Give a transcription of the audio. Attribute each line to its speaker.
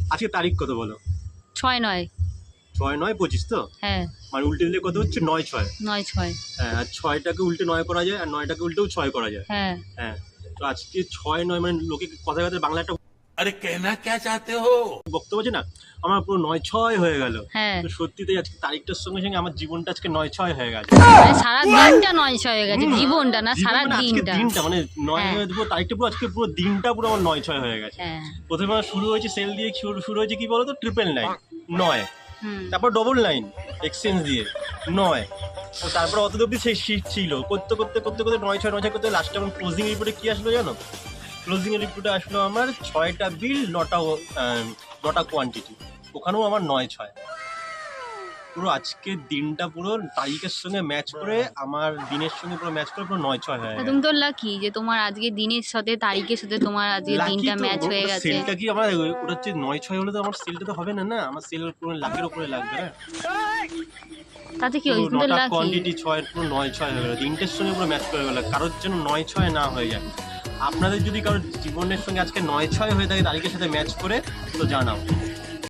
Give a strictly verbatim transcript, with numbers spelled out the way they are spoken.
Speaker 1: আজকে তারিখ কত বলো?
Speaker 2: ছয় নয়
Speaker 1: ছয় নয় পঁচিশ তো?
Speaker 2: হ্যাঁ
Speaker 1: মানে উল্টে দিলে কত হচ্ছে? নয় ছয়।
Speaker 2: নয় ছয়
Speaker 1: হ্যাঁ, আর ছয়টাকে উল্টে নয় করা যায়, আর নয়টাকে উল্টেও ছয় করা যায়।
Speaker 2: হ্যাঁ
Speaker 1: হ্যাঁ, তো আজকে ছয় নয় মানে লোকে কথায় কথায় বাংলা একটা
Speaker 3: अरे कहना क्या चाहते हो?
Speaker 1: বক্তব্য আছে না, আমার পুরো নয় ছয় হয়ে গেল।
Speaker 2: হ্যাঁ
Speaker 1: তো সত্যিতেই আজকে তারিখটার সঙ্গে সঙ্গে আমার জীবনটা আজকে নয় ছয় হয়ে গেছে।
Speaker 2: মানে সারা দিনটা নয় ছয় হয়ে গেছে,
Speaker 1: হুম,
Speaker 2: জীবনটা না সারা
Speaker 1: জীবন মানে আজকে
Speaker 2: দিনটা।
Speaker 1: দিনটা মানে নয়
Speaker 2: হ্যাঁ।
Speaker 1: হয়ে পুরো তারিখটা পুরো আজকে পুরো দিনটা পুরো আমার নয় ছয় হয়ে গেছে।
Speaker 2: হ্যাঁ
Speaker 1: প্রথমে আমার শুরু হয়েছে সেল দিয়ে, শুরু শুরু হয়েছে কি বলতো, ট্রিপল নাইন নয়,
Speaker 2: হুম
Speaker 1: তারপর ডবল নাইন এক্সচেঞ্জ দিয়ে নয়, তো তারপর অত অব্দি সেই শিট ছিল, করতে করতে করতে করতে নয় ছয় নয় ছয় করতে লাস্টে আমার ক্লোজিং রিপোর্টে কি আসলো জানো? ক্লোজিং রিপোর্টে আসলো আমার ছয়টা বিল, নটা আহ, নটা কোয়ান্টিটি, ওখানেও আমার নয় ছয়। পুরো আজকের দিনটা পুরো তারিখের সঙ্গে ম্যাচ করে, আমার দিনের সঙ্গে পুরো ম্যাচ করে পুরো নয় ছয় হয়ে
Speaker 2: তা
Speaker 1: গেছে।
Speaker 2: তুমি তো লাকি যে তোমার আজকে দিনের সাথে তারিখের সাথে তোমার আজকে
Speaker 1: লাকি
Speaker 2: দিনটা
Speaker 1: তো,
Speaker 2: ম্যাচ হয়ে
Speaker 1: ওটা
Speaker 2: গেছে।
Speaker 1: সেলটা কি আমার ওটা হচ্ছে নয় ছয় হলে তো আমার সেলটা তো হবে না, না আমার সেল পুরো লাখের উপরে লাগবে না।
Speaker 2: তাতে কি
Speaker 1: পুরো
Speaker 2: হয়েছে, তুমি তো
Speaker 1: নটা
Speaker 2: লাকি।
Speaker 1: কোয়ান্টিটি ছয়ের পুরো নয় ছয় হয়ে গেল, তিনটের সঙ্গে পুরো ম্যাচ করে গেল, কারোর যেন নয় ছয় না হয়ে যায়। আপনাদের যদি কারোর জীবনের সঙ্গে আজকে নয় ছয় হয়ে থাকে তারিখের সাথে ম্যাচ করে, তো জানাও।